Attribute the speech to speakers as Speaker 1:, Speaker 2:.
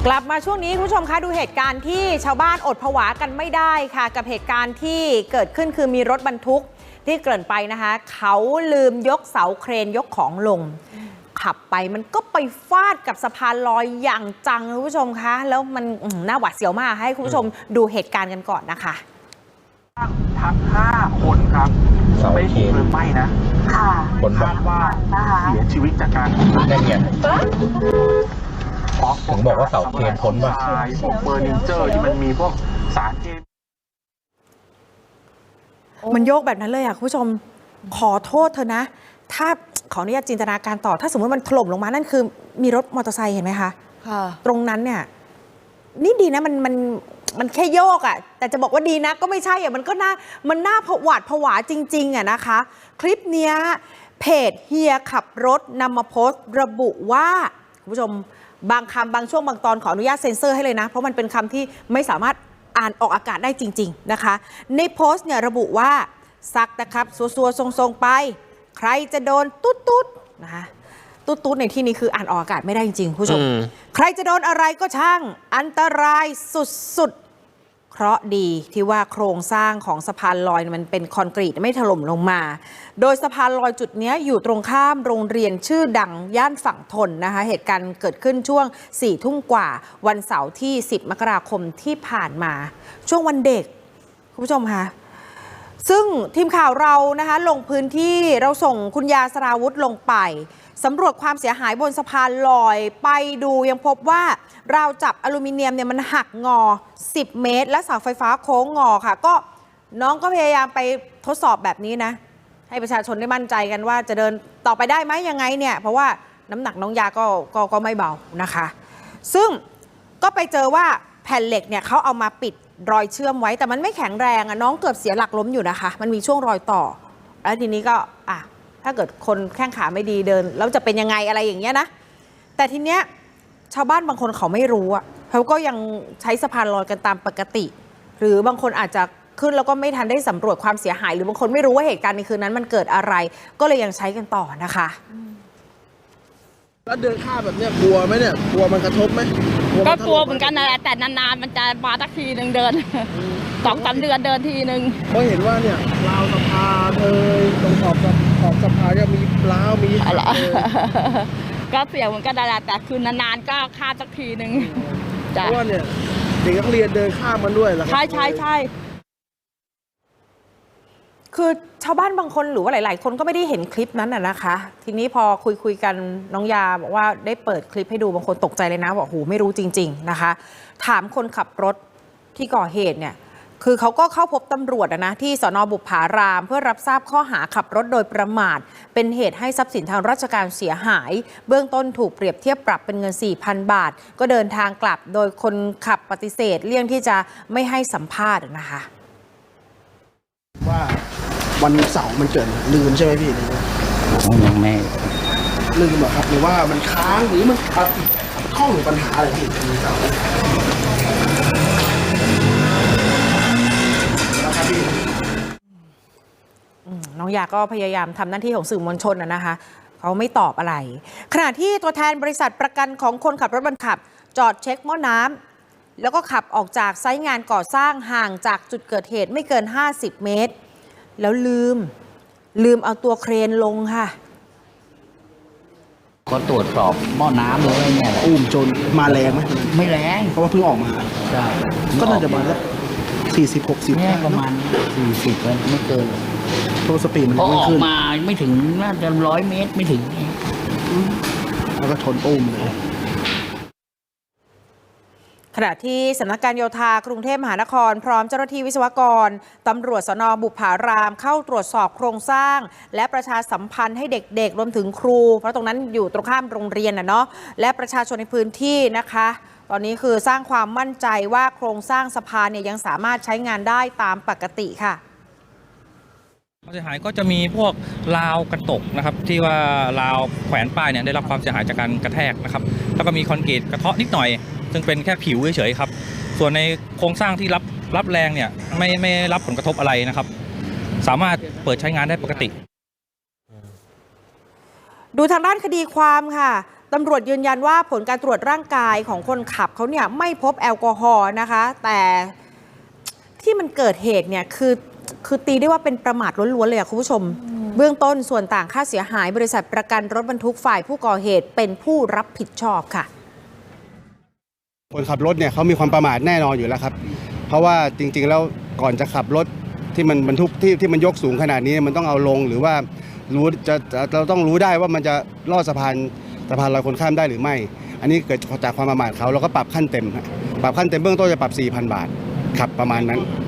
Speaker 1: กลับมาช่วงนี้คุณผู้ชมคะดูเหตุการณ์ที่ชาวบ้านอดผวากันไม่ได้ค่ะกับเหตุการณ์ที่เกิดขึ้นคือมีรถบรรทุกที่เกริ่นไปนะคะเขาลืมยกเสาเครนยกของลงขับไปมันก็ไปฟาดกับสะพานลอยอย่างจังคุณผู้ชมคะแล้วมันน่าหวาดเสียวมากให้คุณผู้ชมดูเหตุการณ์กันก่อนนะคะ
Speaker 2: ทั้ง5 คนครับไม่ถูกเพลิงไหม้นะคนคาดว่าเสียชีวิตจากการ
Speaker 3: ได้ไงถึงบอกว่าเสาเครนพ้นป่ะ
Speaker 2: พวกเฟอร์นิเจอร์ที่มันมีพวกสารเคมี
Speaker 1: มันโยกแบบนั้นเลยอ่ะคุณผู้ชมขอโทษเธอนะถ้าขออนุญาตจินตนาการต่อถ้าสมมติมันถล่มลงมานั่นคือมีรถมอเตอร์ไซค์เห็นไหมคะตรงนั้นเนี่ยนี่ดีนะมันแค่โยกอ่ะแต่จะบอกว่าดีนะก็ไม่ใช่อ่ะมันน่าหวาดผวาจริงๆอ่ะนะคะคลิปเนี้ยเพจเฮียขับรถนำมาโพสต์ระบุว่าคุณผู้ชมบางคำบางช่วงบางตอนขออนุญาตเซ็นเซอร์ให้เลยนะเพราะมันเป็นคำที่ไม่สามารถอ่านออกอากาศได้จริงๆนะคะในโพสต์เนี่ยระบุว่าซักนะครับซัวๆทรงๆไปใครจะโดนตุ๊ดๆนะคะตุ๊ดๆในที่นี้คืออ่านออกอากาศไม่ได้จริงๆผู้ชมใครจะโดนอะไรก็ช่างอันตรายสุดๆเคราะห์ดีที่ว่าโครงสร้างของสะพานลอยมันเป็นคอนกรีตไม่ถล่มลงมาโดยสะพานลอยจุดนี้อยู่ตรงข้ามโรงเรียนชื่อดังย่านฝั่งทนนะคะเหตุการณ์เกิดขึ้นช่วง 4 ทุ่มกว่าวันเสาร์ที่ 10 มกราคมที่ผ่านมาช่วงวันเด็กคุณผู้ชมคะซึ่งทีมข่าวเรานะคะลงพื้นที่เราส่งคุณยาสราวุธลงไปสำรวจความเสียหายบนสะพานลอยไปดูยังพบว่าราวจับอลูมิเนียมเนี่ยมันหักงอ10 เมตรและเสาไฟฟ้าโค้งงอค่ะก็น้องก็พยายามไปทดสอบแบบนี้นะให้ประชาชนได้มั่นใจกันว่าจะเดินต่อไปได้ไหมยังไงเนี่ยเพราะว่าน้ำหนักน้องยาก็ไม่เบานะคะซึ่งก็ไปเจอว่าแผ่นเหล็กเนี่ยเขาเอามาปิดรอยเชื่อมไว้แต่มันไม่แข็งแรงน้องเกือบเสียหลักล้มอยู่นะคะมันมีช่วงรอยต่อแล้วทีนี้ก็ถ้าเกิดคนแข้งขาไม่ดีเดินแล้วจะเป็นยังไงอะไรอย่างเงี้ยนะแต่ทีเนี้ยชาวบ้านบางคนเขาไม่รู้เขาก็ยังใช้สะพานลอยกันตามปกติหรือบางคนอาจจะขึ้นแล้วก็ไม่ทันได้สำรวจความเสียหายหรือบางคนไม่รู้ว่าเหตุการณ์ในคืนนั้นมันเกิดอะไรก็เลยยังใช้กันต่อนะคะ
Speaker 4: แล้วเดินข้ามแบบเนี้ยกลัวไหมเนี่ยกลัวมันกระทบไหม
Speaker 5: ก็กลัวเหมือนกันนะแต่นานๆมันจะมาสักทีหนึ่งเดิน2-3 เดือนเดินทีหนึ่ง
Speaker 4: เพราะเห็นว่าเนี่ยราวสะพานตรงขอบสะพานเนี่ยมีร้าวมี
Speaker 5: อะไรก็เสี่ยงเหมือนกันนะแต่คือนานๆก็ข้ามสักทีหนึ่ง
Speaker 4: เพราะว่าเนี่ยเด็กนักเรียนเดินข้ามมันด้วยเหรอ
Speaker 5: ใช่
Speaker 1: คือชาวบ้านบางคนหรือว่าหลายๆคนก็ไม่ได้เห็นคลิปนั้นนะคะทีนี้พอคุยกันน้องยาบอกว่าได้เปิดคลิปให้ดูบางคนตกใจเลยนะบอกโหไม่รู้จริงๆนะคะถามคนขับรถที่ก่อเหตุเนี่ยคือเขาก็เข้าพบตำรวจนะที่สน.บุพารามเพื่อรับทราบข้อหาขับรถโดยประมาทเป็นเหตุให้ทรัพย์สินทางราชการเสียหายเบื้องต้นถูกเปรียบเทียบปรับเป็นเงิน 4,000 บาทก็เดินทางกลับโดยคนขับปฏิเสธเลี่ยงที่จะไม่ให้สัมภาษณ์นะคะ
Speaker 4: ว่าวันเสาร์มันเกิดลืมใช่ไหมพี่
Speaker 3: ยังไม่
Speaker 4: ลืมหรอครับหรือว่ามันค้างหรือมันข้อหรือปัญหาอะไรพี่วันเสาร์
Speaker 1: น้องยาก็พยายามทำหน้าที่ของสื่อมวลชนนะคะเขาไม่ตอบอะไรขณะที่ตัวแทนบริษัทประกันของคนขับรถบรรทุกจอดเช็คหม้อน้ำแล้วก็ขับออกจากไซต์งานก่อสร้างห่างจากจุดเกิดเหตุไม่เกิน50 เมตรแล้วลืมเอาตัวเครนลงค่ะ
Speaker 3: ก็ตรวจสอบหม้อน้ำเลยเนี่ย
Speaker 4: จนมาแรงไหม
Speaker 3: ไม่แรง
Speaker 4: เพราะว่าเพิ่งออกมา
Speaker 3: ใช่
Speaker 4: ก็น่าจะมาสัก40-60
Speaker 3: เนี่ยประมาณ40ไม่เกิน
Speaker 4: ตัวสปีดมัน
Speaker 3: ไม่ขึ้นออกมาไม่ถึงน่าจะ100 เมตรไม่ถึง
Speaker 4: แล้วก็ชนเลย
Speaker 1: ขณะที่สำนักการโยธากรุงเทพมหานครพร้อมเจ้าหน้าที่วิศวกรตำรวจสน.บุพารามเข้าตรวจสอบโครงสร้างและประชาสัมพันธ์ให้เด็กๆรวมถึงครูเพราะตรงนั้นอยู่ตรงข้ามโรงเรียนเนาะและประชาชนในพื้นที่นะคะตอนนี้คือสร้างความมั่นใจว่าโครงสร้างสะพานเนี่ยยังสามารถใช้งานได้ตามปกติค่ะ
Speaker 6: ความเสียหายก็จะมีพวกราวกระตกนะครับที่ว่าราวแขวนป้ายเนี่ยได้รับความเสียหายจากการกระแทกนะครับแล้วก็มีคอนกรีตกระเทาะนิดหน่อยซึ่งเป็นแค่ผิวเฉยๆครับส่วนในโครงสร้างที่รับแรงเนี่ยไม่รับผลกระทบอะไรนะครับสามารถเปิดใช้งานได้ปกติ
Speaker 1: ดูทางด้านคดีความค่ะตำรวจยืนยันว่าผลการตรวจร่างกายของคนขับเขาเนี่ยไม่พบแอลกอฮอล์นะคะ แต่ที่มันเกิดเหตุเนี่ยคือตีได้ว่าเป็นประมาทล้วนๆเลยคุณผู้ชม เบื้องต้นส่วนต่างค่าเสียหายบริษัทประกันรถบรรทุกฝ่ายผู้ก่อเหตุเป็นผู้รับผิดชอบค่ะ
Speaker 7: คนขับรถเนี่ยเขามีความประมาทแน่นอนอยู่แล้วครับเพราะว่าจริงๆแล้วก่อนจะขับรถที่มันบรรทุกที่มันยกสูงขนาดนี้มันต้องเอาลงหรือว่าเราต้องรู้ได้ว่ามันจะลอดสะพานลอยคนข้ามได้หรือไม่อันนี้เกิดจากความประมาทเขาเราก็ปรับขั้นเต็มเบื้องต้นจะปรับ 4,000 บาทครับประมาณนั้น